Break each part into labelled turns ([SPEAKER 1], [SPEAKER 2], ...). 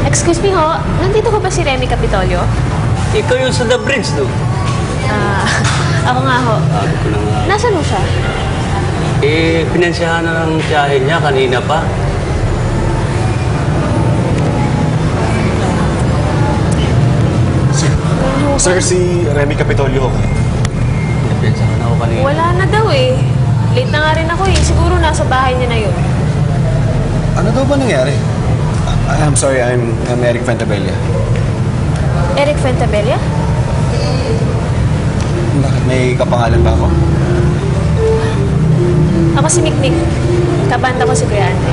[SPEAKER 1] Excuse me ho, nandito ko ba si Remy Capitolio?
[SPEAKER 2] Ikaw yung sa The Bridge, no?
[SPEAKER 1] Ako nga ho.
[SPEAKER 2] Sabi ko na nga.
[SPEAKER 1] Nasaan ho siya?
[SPEAKER 2] Pinansyahan na ng tiyahin niya kanina pa.
[SPEAKER 3] Sir, si Remy Capitolio.
[SPEAKER 2] Pinansyahan ako kanina.
[SPEAKER 1] Wala na daw eh. Late na nga rin ako eh. Siguro nasa bahay niya na yun.
[SPEAKER 3] Ano daw ba nangyari? I'm sorry, I'm Eric Fantabella.
[SPEAKER 1] Eric Fuentabella?
[SPEAKER 3] Bakit may kapangalan ba ako?
[SPEAKER 1] Ako si Mikmik. Kabanda ko si Kuya Andre.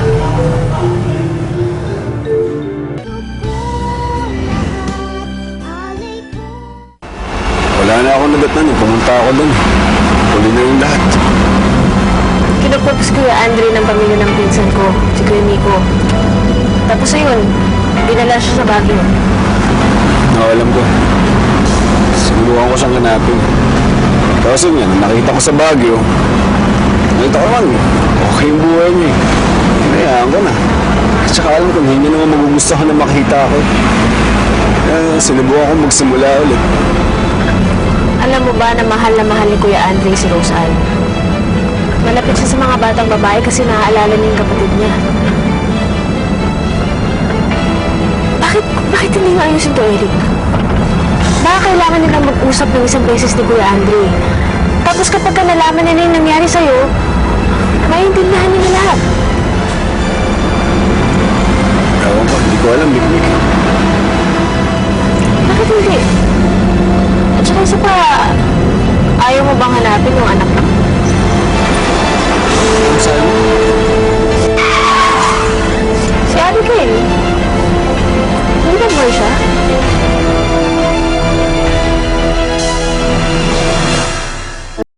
[SPEAKER 3] Wala na ako nadatnan eh. Pumunta ako doon. Huli na yung lahat.
[SPEAKER 1] Kinupropose Kuya Andre ng pamilya ng pinsan ko, si Kuya Miko. Tapos ayun, dinala siya sa Baguio.
[SPEAKER 3] Alam ko. Sinubukan ko siyang hanapin. Tapos yun yan, nakita ko sa Baguio. Nakita ko naman, okay yung buhay niya eh. Hinayaan ko na. At saka alam ko, hindi naman magugustuhan na makita ako. Kaya sinubukan ko magsimula ulit.
[SPEAKER 1] Alam mo ba na mahal ni Kuya Andre si Rose Ann? Malapit siya sa mga batang babae kasi naaalala niya yung kapatid niya. Bakit hindi nga ayusin to, Eric? Baka kailangan nila mag-usap ng isang beses ni Kuya Andre. Tapos kapag nalaman nila yung nangyari sa'yo, maintindihan niya lahat.